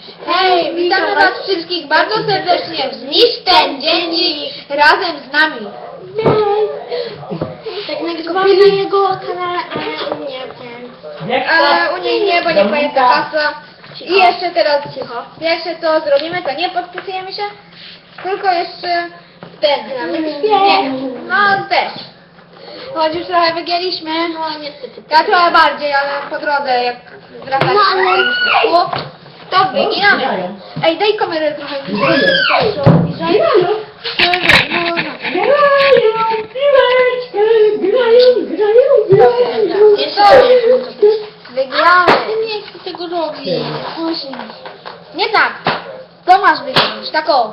Hej, witamy was wszystkich bardzo serdecznie w Zniszcz ten dziennik razem z nami. Tak nagrywamy na jego kanale, ale u mnie ten. Ale u niej nie, bo nie pamięta hasła. I jeszcze teraz cicho. Jeszcze to zrobimy, to nie podpisujemy się, tylko jeszcze ten. Nie, no też. Choć już trochę wygięliśmy. No niestety. Ja trochę bardziej, ale po drodze jak wracać No, ale- to wyginamy. Ej, daj kamerę trochę bliżej. Wyginamy. Nie chcę tego robić. Nie tak. To masz wyginąć, tak o.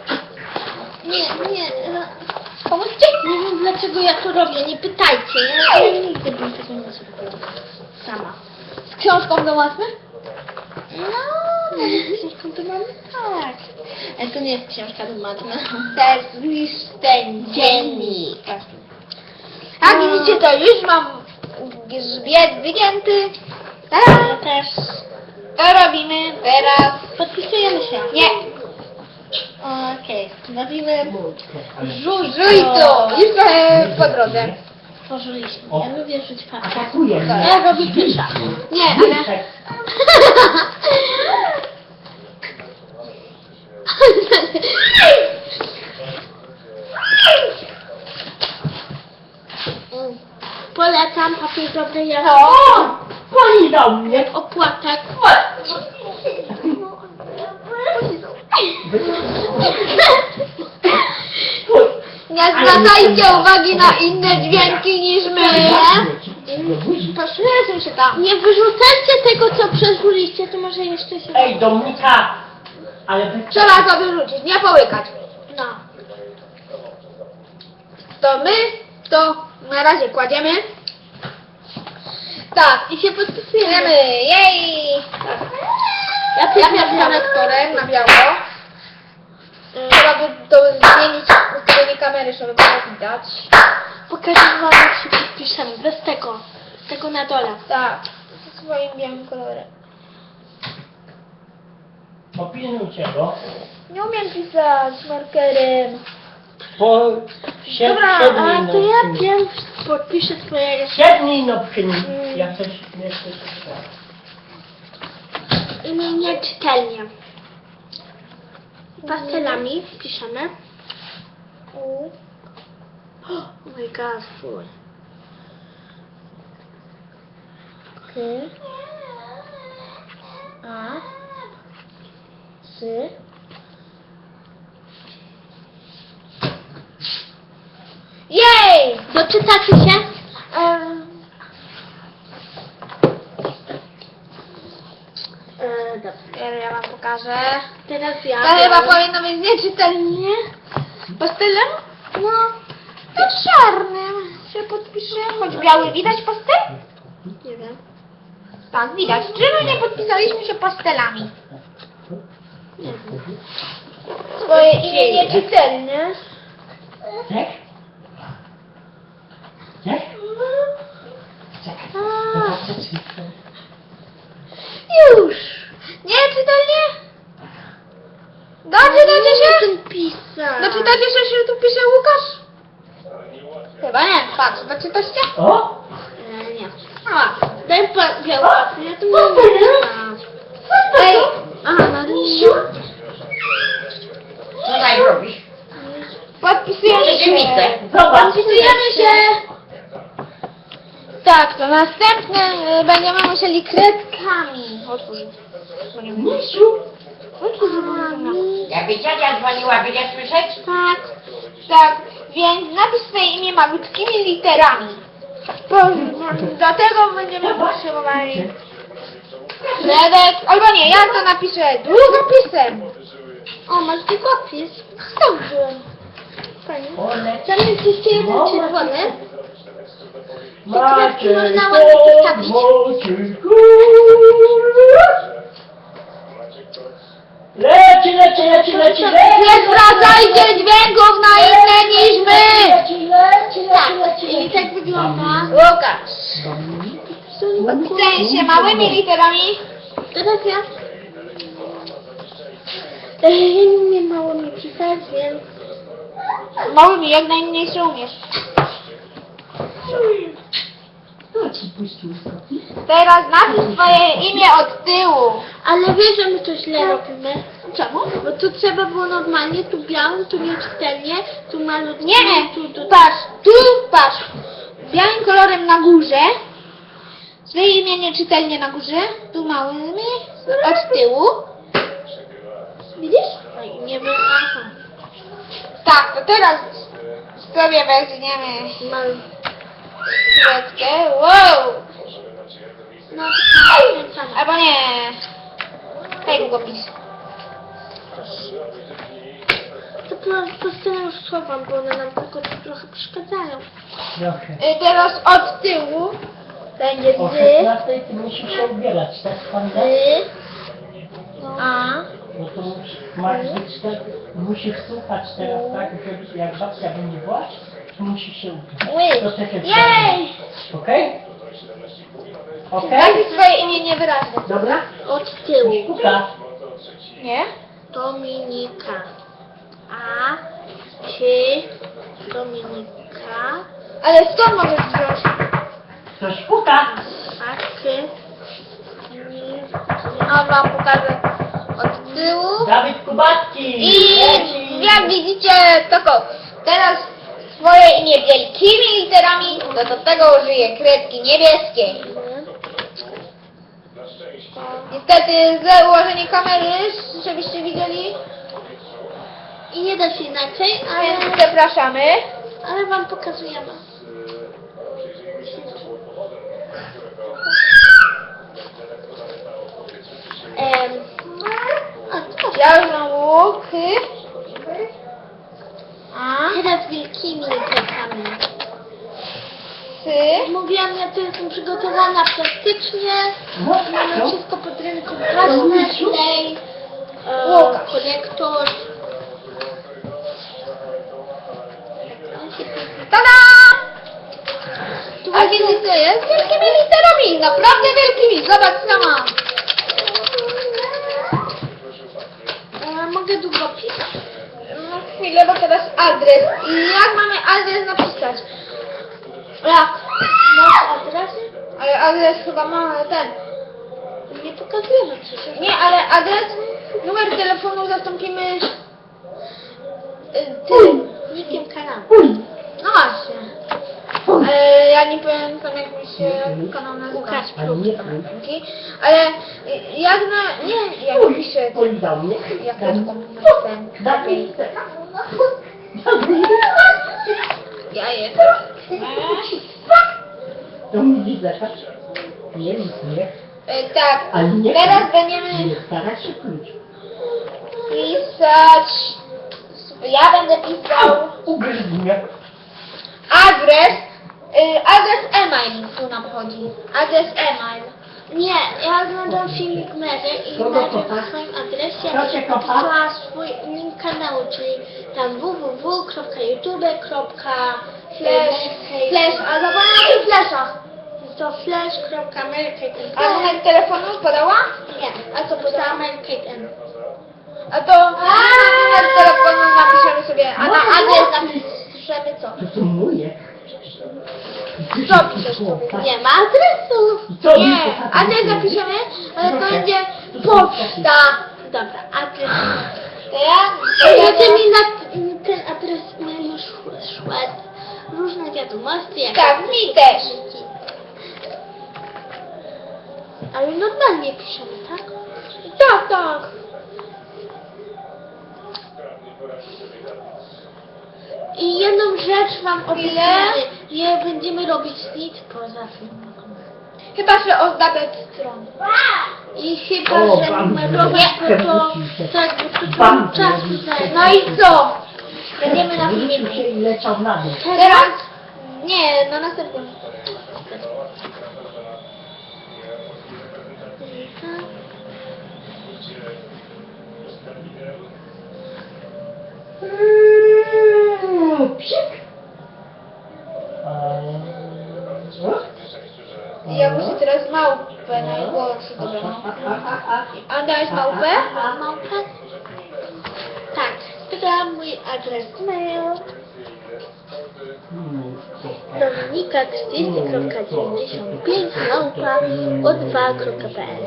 Nie. Pomóżcie? Nie wiem dlaczego ja to robię, nie pytajcie. Ja nigdy bym tego nie zrobiła. Sama. Z książką do matmy? No, książką to mam tak. Ale to nie jest książka do matmy. Też Zniszcz ten dziennik. A widzicie, to już mam grzbiet wygięty. Ja Teraz też. to robimy teraz. Podpisujemy się. Nie, Okej. Robimy żuj żuj to. Już trochę po drodze. Tworzyliśmy. Ja lubię rzuć fakty. Atakuje mnie. Ja robię pisza. Nie, ale... Polecam papier dobrej No. jakości. Pani do mnie. Opłatek. Nie zwracajcie uwagi na inne dźwięki niż my. Przesuń się tam. Nie wyrzucajcie tego, co przeżuliście, to może jeszcze się... Ej, Dominika. Ale wy... Trzeba to wyrzucić, nie połykać. No. To my to na razie kładziemy. Tak, I się podpisujemy. idziemy. Jej! Ja Ja też miałam lektorem na biało. Trzeba by to zmienić ustawienie kamery, żeby było widać. Pokażę wam, jak się podpiszemy. Bez tego. Tego na dole. Tak, ze swoim białym kolorem. Popilnujcie go. Nie umiem pisać markerem. Po Dobra, A to ja wiem, podpiszę twojego. 7 dni no przy nim. Ja coś nie chcę Nieczytelnie. Pastelami piszemy. Oh my god, full. K. A. S. Jej! Doczytacie się? Dobrze. Ja wam pokażę. Teraz ja. To chyba powinno być nieczytelnie. Pastelem? No. To czarnym się podpiszę. Choć biały widać pastel? Nie wiem. Tak, widać. Czemu nie podpisaliśmy się pastelami? Nie wiem. Swoje imię nieczytelne. Tak? Tak? Czekaj. Już. Nieczytelnie? Doczytacie się? Ten pisać. Doczytacie się, że tu pisze Łukasz? Chyba nie. Patrz, doczytacie? O! Nie. A. Daj pan biały papier, ja tu nie wiem. Ej. Aha, na liniu. Co tutaj robisz? Podpisujemy się. Zobacz. Podpisujemy się. Tak, to następne będziemy musieli kredkami otworzyć. Misiu. Jakby dziadzia dzwoniła, będzie słyszeć? Tak, tak, więc napisz swoje imię malutkimi literami. Dlatego będziemy potrzebowali kredek, albo nie, ja to napiszę długopisem. O, masz długopis. Dobrze. Fajnie. Ole. Tam jest jeszcze jeden czerwony. Macie można ładnie postawić. Leci, leci, leci, leci, leci. Nie zwracajcie dźwięków na inne niż my! Tak, i tak wygląda. Łukasz. Podpisujemy się małymi literami. Teraz ja. Ja nie umiem mało mi pisać, więc... Małymi, jak najmniejsze umiesz. Kto ci puścił skoki? Teraz napisz swoje imię od tyłu. Ale wiesz, że my to źle robimy. Czemu? Bo tu trzeba było normalnie, tu białym, tu nieczytelnie, tu malutkim, Nie, tu... patrz. Białym kolorem na górze. Swoje imię nieczytelnie na górze. Tu małymi od tyłu. Widzisz? No i nie wiem, aha. Tak, to teraz sobie weźmiemy Mal... chwileczkę. Wow! No, to samo. Albo nie. Daj długopis. To po prostu już schowam, bo one nam tylko trochę przeszkadzają. Trochę. Teraz od tyłu będzie O z, 16 ty musisz się ubierać, tak panda? a. No to masz być tak, musisz słuchać teraz tak, że jak babcia będzie wołać, to musisz się uczyć. Ły. To też jest Jej! okej? Okej? Napisz swoje imię niewyraźne. Dobra? Od tyłu. Puka. Nie? Dominika. A, ty, Dominika. Ale skąd możesz wziąć? Ktoś puka. A ty, A wam pokażę od tyłu. Dawid Kubacki. I Leci. jak widzicie, to teraz swoje imię wielkimi literami, to do tego użyję kredki niebieskiej. Niestety za ułożenie kamery, żebyście widzieli, I nie da się inaczej, więc zapraszamy. ale wam pokazujemy. Ja już mam łuk. A, Teraz wielkimi literkami. sy. Mówiłam, ja tu jestem przygotowana plastycznie. No, Mamy no. wszystko pod ręką. Ważne, klej, Łukasz. konektor. Tada! A więc to jest wielkimi literami, naprawdę wielkimi. Zobacz sama. Mogę długopis? No chwilę, bo teraz adres. I jak mamy adres napisać? Jak? Masz adres? Ale adres chyba mamy ten. Nie pokazujemy przecież. Nie, ale adres, numer telefonu zastąpimy tym. Nikiem kanału. No właśnie. Ja nie pamiętam jak mi się kanał nazywa. Łukasz Ale nie Dzięki. Ale jak na... Nie, jak piszę... Polizał mnie. Jak ja to ten... Dawid. Ja jestem... To mi widzę, tak? Nie, nic nie. Tak, Ale nie. teraz będziemy Nie stara się klucz. pisać... Ja będę pisał Ugryź mnie. adres... Adres e-mail tu nam chodzi. Adres e-mail. Nie, ja oglądam filmik Mary i Kogo najpierw kochasz? w swoim adresie Kto cię kocha? napisała swój link kanału, czyli tam Flash, a zapomniałam o tych flashach. to flash.marykate.n. A numer telefonu podała? Nie, A co podała? Marykate.n. A to numer telefonu napiszemy sobie, a na adres napiszemy co? To są moje. Co piszesz sobie? Nie ma adresu. Co mi Nie, to adres napiszemy, ale to Proszę. będzie poczta. Dobra, adres. To ja? Jeżeli mi na ten adres mail już szły różne wiadomości, jak Tak, mi też. Ale normalnie piszemy, tak? Tak, tak. I jedną rzecz wam Ile? obiecamy, nie będziemy robić nic poza filmem. Chyba, że ozdabiać stronę. I chyba, O, że bam, numerować, nie. bo to Przewrócił się. tak, bo to Bam, dużo czasu przewrócił się. zajmie. No i co? Będziemy na Wrócił filmiku. się i leciał na dół. Teraz? Nie, na następnym. Psik. Ja muszę teraz małpę na głos dobrą. A dałeś małpę? A małpę? podam mój adres mail. Dominika30.95@o2.pl.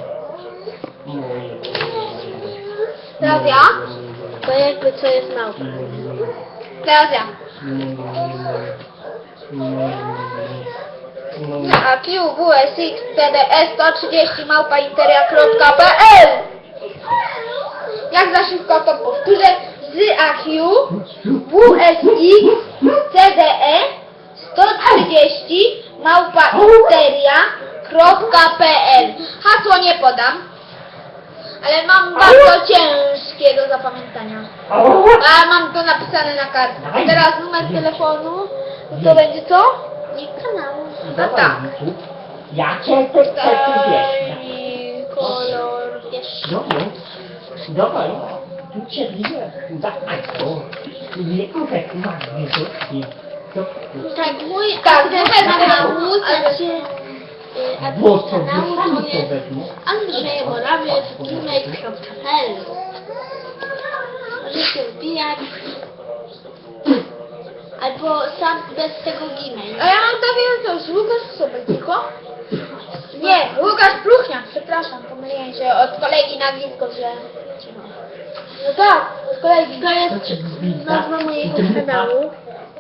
Teraz ja? To jakby co jest małpa. Teraz ja. AQWSX-PDS130 @interia.pl. Jak za szybko to powtórzę. Z AQ WSX CDE 130 @interia.pl. Hasło nie podam, ale mam bardzo ciężkie do zapamiętania. A mam to napisane na kartce. A teraz numer telefonu, to będzie co? I kanału. No tak. Ja cię też wiesz. I kolor, wiesz. Dawaj, tu cię widzę. Nie kurek ma wyrzutki. Tak, mój Tak, adres numer kanału, kanału, znaczy Bo adres to kanału sami to to jest wezmą. andrzejemorawiec@gmail.pl. Możecie wbijać. Albo sam bez tego Gmail. A ja mam takie coś, Łukasz Sobek, tylko? Nie, Łukasz Pluchniak, przepraszam, pomyliłem się od kolegi nazwisko, że... No tak, od kolegi. To jest nazwa mojego kanału.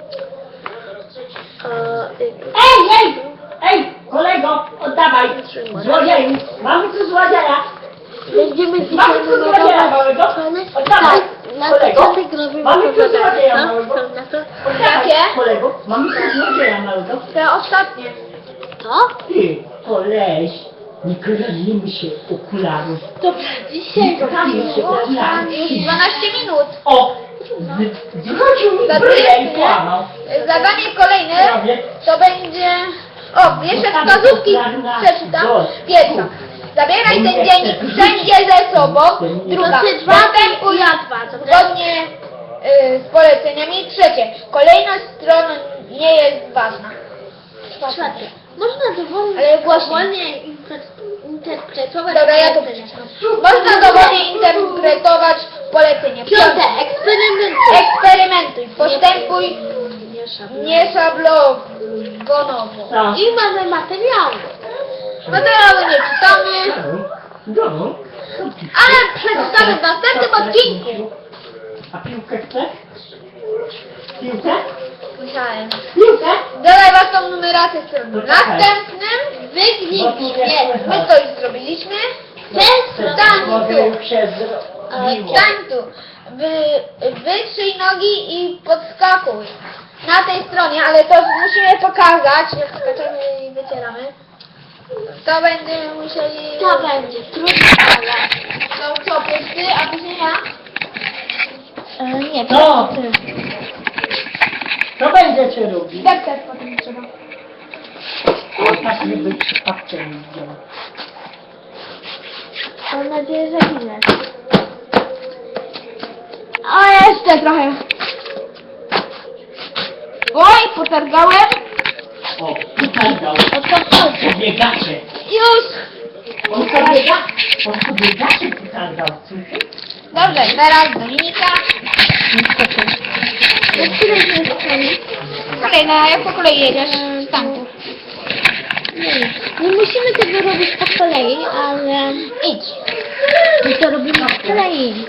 Ej, kolego, oddawaj. Złodzieju, mamy tu złodzieja. Będziemy Mamy dzisiaj tu złodzieja małego. Oddawaj, na kolego. początek robimy Mamy tu złodzieja no, małego. są na to. Oddawaj, Jakie? kolego, mamy tu złodzieja małego. Te ostatnie. To? Ty, koleś, nie kradnijmy się okularów. Dobra, dzisiaj Kradnijmy się okularów. Już 12 minut. O, zwrócił mi bryję i kłamał. Zadanie kolejne to będzie... O, jeszcze wskazówki przeczytam. Pierwsza. Zabieraj ten dziennik wszędzie ze sobą. Druga. Znaczy dwa, Następuj ja dwa, dobra? zgodnie z poleceniami. Trzecie. Kolejność stron nie jest ważna. Czwarte. Można dowolnie, Ale głośniej. interpretować Dobra, ja to polecenia. Można dowolnie interpretować polecenie. Piąte. Eksperymenty. Eksperymentuj. Postępuj Nie nieszablonowo. Tak. I mamy materiały. Materiały nie czytamy, Domu. ale przeczytamy w następnym odcinku. A piłkę chcesz? Piłkę? Musiałem. Piłkę? Dodaj własną numerację strony. No W czekaj. następnym Bo tu nie słychać. my to już zrobiliśmy. Mogę już się zrobiło. Stań tu. Wytrzyj nogi i podskakuj. Na tej stronie, ale to musimy pokazać, jak skaczemy i wycieramy. To będziemy musieli... To będzie trudne, ale... No co, ty, a później ja? Nie, No. Co będziecie robić? Tak, potem trzeba. Tak nie być przypadkiem widział. Mam nadzieję, że inne. O, jeszcze trochę. Oj, potargałem. O, tutaj dał. O to chodzi. Pobiegacie. Już. On pobiegacie tutaj dał. Słyszysz? Dobrze, teraz Dominika. Kolejna, jak po kolei jedziesz? Stanku. Nie musimy tego robić po kolei, ale... Idź. My to robimy po kolei.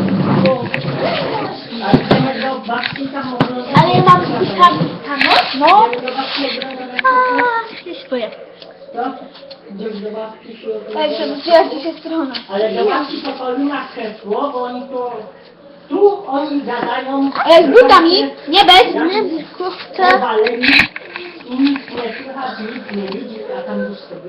Ale chcemy do babci tam oglądać. Ale ja mam tam No. Do babci oglądać. nie swoje. No, idziesz do babci się Tak, oglądać. przebudziła ci się strona. Ale do babci to Paulina krzesło, bo oni to... Tu oni gadają... Ale z butami, nie bez. Nie, kurczę. Powaleni i nic nie słychać, nic nie widzi, a tam już sobie...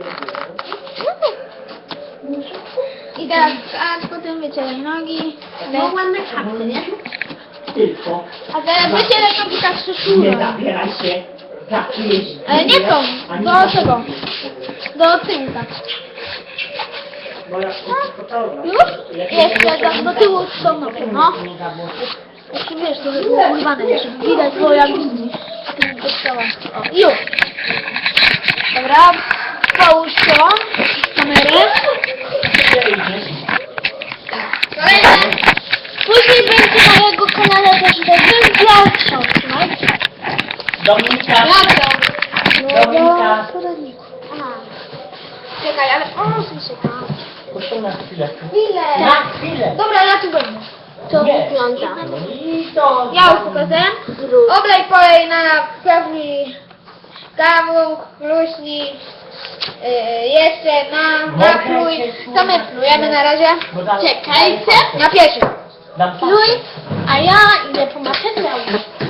I teraz skacz, potem wycieraj nogi. No ładne kapy, nie? Tylko A teraz wycieraj nogi tak nie przyszło. zabieraj się tak jeść. Ale nie tą, Ani do tak. tego. Do tyłu tak. Bo jak to gotowe. Już? Jeszcze tam do tyłu z tą nogą, no. Jeszcze wiesz, to było urwane, jeszcze widać, bo jak tym dostała. O, już. Dobra, połóż to, kamerę. Kolejne. Później będzie mojego kanale też będzie pierwszą, trzymajcie. Dominika, Ja Dominika, poradniku. Aha. Czekaj, ale o, słyszę. proszę na chwilę. Chwilę. Na chwilę. Dobra, ja tu będę. To Nie. wygląda. I to... Ja już pokażę. Oblej polej na pełni kawuk, luśni. Jeszcze napluj. Co my plujemy na razie? Czekajcie. Na pierwszy. Dam Pluj, a ja idę po materiał.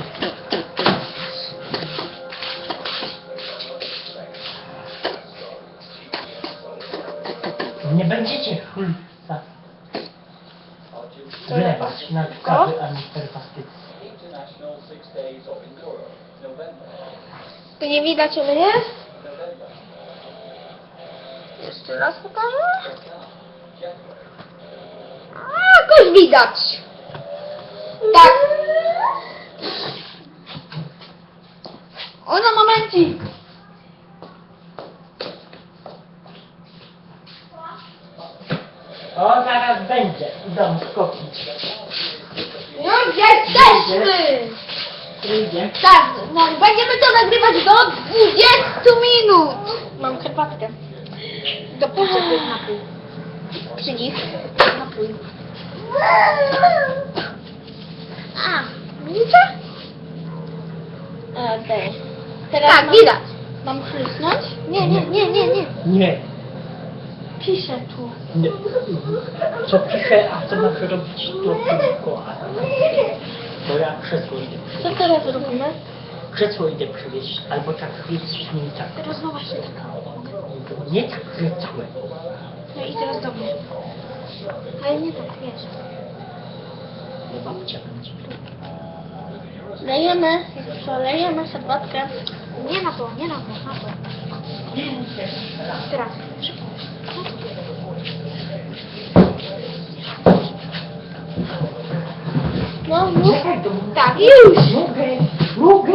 Nie będziecie chlubca wlewać na kawy ani herbaty. Tu nie widać u mnie? Jeszcze raz pokażę. A, jakoś widać. Tak. O, na momencik. O, zaraz będzie. Idą skopić. Już jesteśmy. Idzie. Tak, no, będziemy to nagrywać do 20 minut. Mam herbatkę. Do potrzeby napój. Przy nich napój. A, widzicie? Okej. Tak, mam, widać. mam chrysnąć? Nie. Nie. Piszę tu. Nie. Co piszę, a co masz robić to tylko. Bo ja krzesło idę Co przywieźć. teraz robimy? Krzesło idę przywieźć. Albo tak jest z nim tak. Teraz no właśnie tak. Nie tak, że całe. No i teraz do mnie. Ale nie tak, wiesz. Bo babcia będzie. Lejemy, lejemy herbatkę. Nie na to, na to. Teraz. No, mów. Czekaj, to Tak, już. Mogę.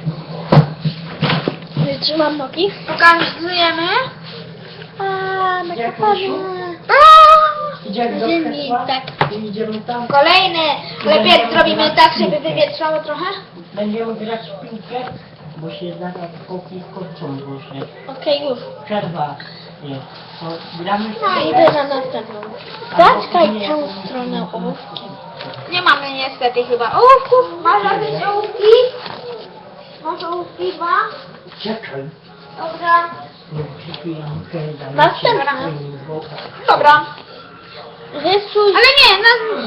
Trzymam nogi. Pokazujemy. A, na Jak kaparze. Idziemy do Ziemi, krzesła tak. i idziemy tam. Kolejny. Lepiej zrobimy tak, żeby wywietrzało trochę. Będziemy grać w piłkę, bo się zaraz koki kończą właśnie. Okej, już. Przerwa jest. To gramy w No, piłkę. idę na następną. Zaczkaj tę stronę ołówkiem. Nie mamy niestety chyba ołówków. Masz jakieś ołówki? Masz ołówki dwa? Czekaj. Dobra. Następna. Dobra. Rysuj. Ale nie,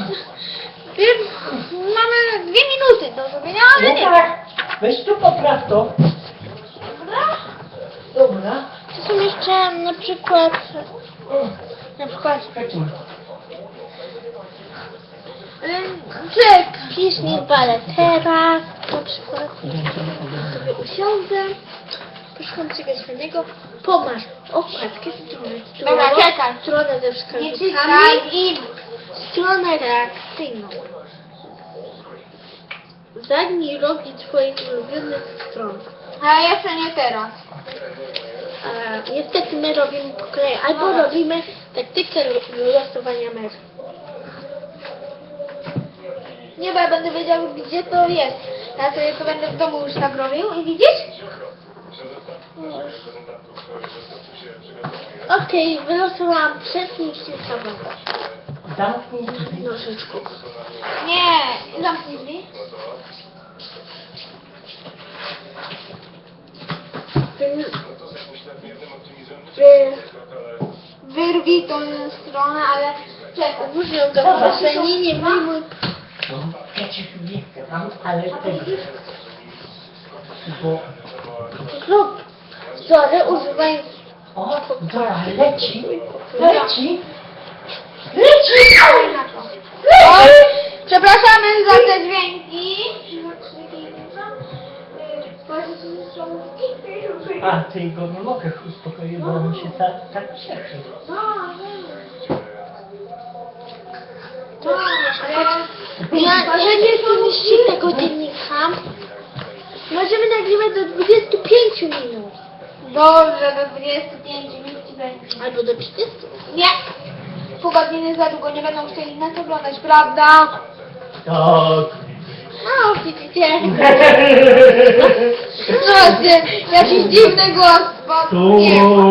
mamy 2 minuty do zrobienia, ale nie. Weź tu popraw to. Dobra. Dobra. To są jeszcze na przykład Czekaj. Czek. piśnik baletera, na przykład sobie usiądę, poszukam czegoś fajnego, pomasz okładkę, Dobra, czekaj. stronę ze Nie wskazówkami, czytaj i... stronę reakcyjną. Zagnij rogi twoich ulubionych stron. A jeszcze nie teraz. Niestety my robimy po kolei, albo robimy taktykę losowania mer. Nie, bo ja będę wiedział, gdzie to jest. Ja sobie to będę w domu już tak robił i widzisz? Okej, wylosowałam przed się sobą. Zamknij drzwi. Nożyczku. Nie, zamknij drzwi. Wyrwij tą stronę, ale czekaj. Różnią go w basenie, nie wyjmuj. No, przecież nie chcę tam, ale tego. Bo... Zrób wzory używając O, dobra, leci. Oj, przepraszamy za te dźwięki. A, ty go nie mogę uspokoić, bo on się tak cieszy. Ja nie pomieści tego dziennika. Możemy nagrywać do 25 minut. Dobrze, do 25 minut ci będzie. Albo do 30. Nie. Pół godziny za długo, nie będą chcieli nas oglądać, prawda? Tak. No, widzicie. Proszę, jakiś dziwny głos, bo nie ma.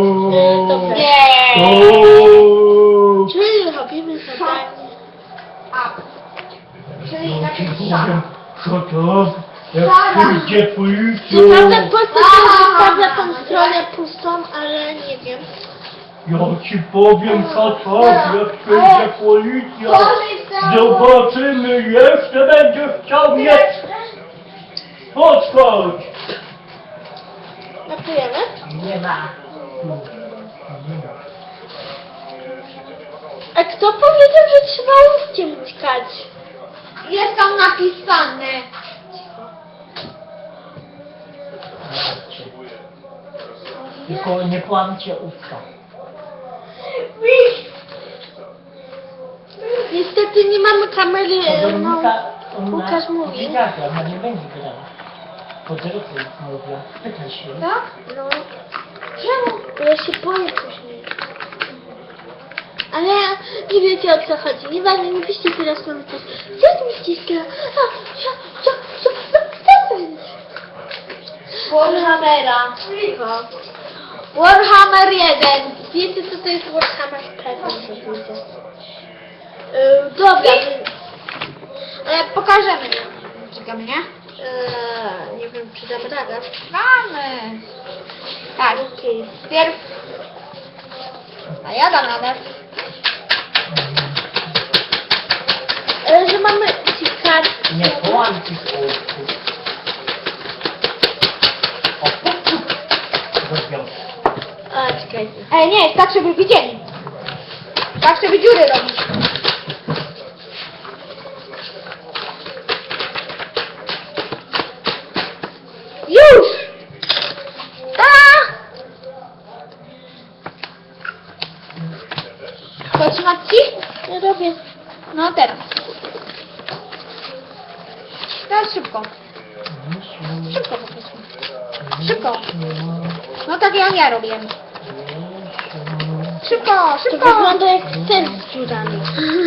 Nie. Czyli robimy zadanie. A. Czyli Ja ci taki szak. powiem, co to? Jak Szara. przyjdzie policja, Naprawdę w Polsce to zostawia tą stronę pustą, ale nie wiem. ja ci powiem, co to? Jak przyjdzie policja, zobaczymy, jeszcze będziesz chciał mnie. Podchodź! Notujemy? Nie ma. A kto powiedział, że trzeba łówkiem uciekać? Jest tam napisane. Tylko nie kłamcie usta. Niestety nie mamy kamery, no. Weronika, Łukasz mówi. ona nie będzie grała. Po drodze mówię, pytaj się. Tak? No. Czemu? Bo ja się boję później. Ale nie wiecie, o co chodzi. Nieważne, nie piszcie teraz komentarz. Co mi ściska? Co to jest? Warhammera. Cicho. Warhammer 1. Wiecie, co to jest Warhammer? Pewnie, że wiecie. Dobra. Pokażemy. Czekamy, nie? Nie wiem, czy dam radę. Mamy. Tak. Okej. Pierw. A ja dam radę. Że mamy uciekać. Nie kłamcie usta. O, rozwiąż. A, czekajcie. Nie, tak żeby widzieli. Tak żeby dziury robić. Już! Potrzymać ci? Ja robię. No teraz. Teraz szybko. Szybko po prostu. Szybko. No tak jak ja robię. Szybko, To szybko. wygląda jak sen z dziurami.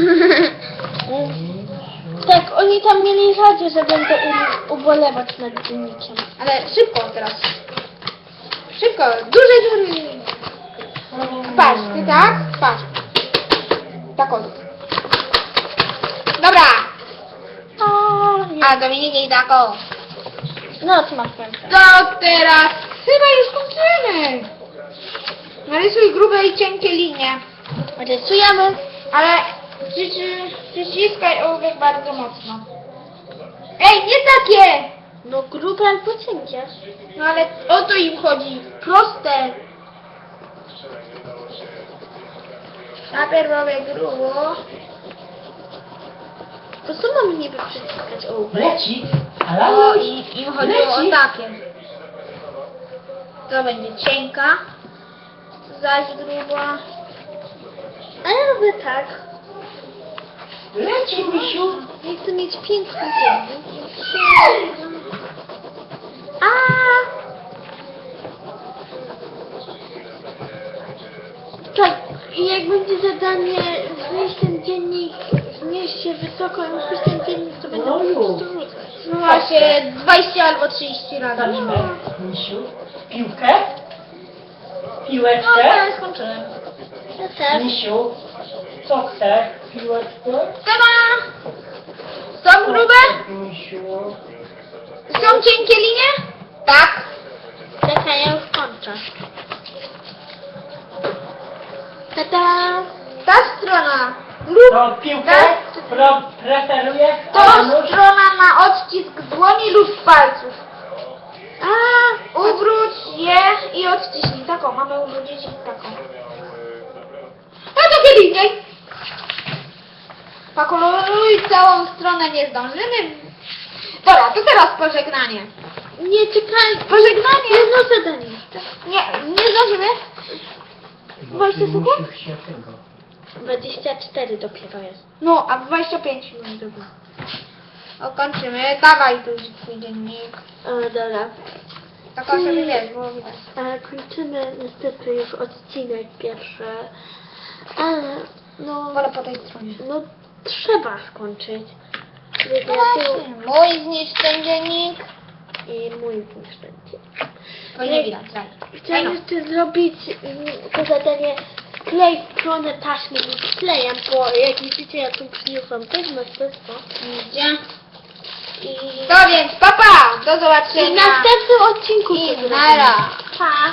Tak, oni tam mieli radzie, że będę ubolewać nad dziennikiem. Ale szybko teraz. Szybko, duże dziury. Patrz, ty tak? Patrz. Tak o. Dobra. O, nie. A Dominik i tak o. No, co masz końca? To teraz chyba już kończymy. Narysuj grube i cienkie linie. Rysujemy. Ale przyciskaj ołówek bardzo mocno. Ej, nie takie! No grube albo cienkie. No ale o to im chodzi. Proste. Najpierw robię grubo. To co mamy niby przyciskać ołówek? Leci, O, ale i im chodziło o takie. To będzie cienka. Zaś gruba. A ja robię tak. leci, misiu. Ja chcę mieć piękny dziennik. A. Tak, i jak będzie zadanie znieść ten dziennik, znieść się wysoko i musisz ten dziennik, to będę No po już. prostu rzucać. No właśnie 20 albo 30 razy. Stawimy, misiu, piłkę, No piłeczkę. ja skończyłem. Ja też. Misiu, co chcesz? Piłeczkę? Tama! Są grube? Misiu. Są cienkie linie? Tak. Czekaj, ja już kończę. Tada! Ta strona. Lub To piłkę Tak. preferujesz? to Anusz? strona na odcisk dłoni lub palców. A, Ubróć je i odciśnij. Taką mamy ubrudzić i taką. No to kiedy indziej. Pokoloruj całą stronę, nie zdążymy. Dobra, to teraz pożegnanie. nie czekaj. Pożegnanie. Jedno zadanie jeszcze. Nie zdążymy? 20 sekund? Musisz się tego. 24 dopiero jest. No, a 25 minut. Dobra. Kończymy. Dawaj tu twój dziennik. O, dobra. Tak żeby wiesz, było widać. Kończymy niestety już odcinek pierwszy. Ale, no, Wolę po tej stronie. no trzeba skończyć. Właśnie, mój zniszcz ten dziennik. I mój zniszczenie. Bo nie widać, tak. Chciałam jeszcze zrobić to zadanie klej stronę taśmy lub klejem, bo jak widzicie ja tu przyniosłam też masterstwo. Idzie. I To więc, papa! Do w zobaczenia. następnym odcinku I to zrobimy. nara. Pa!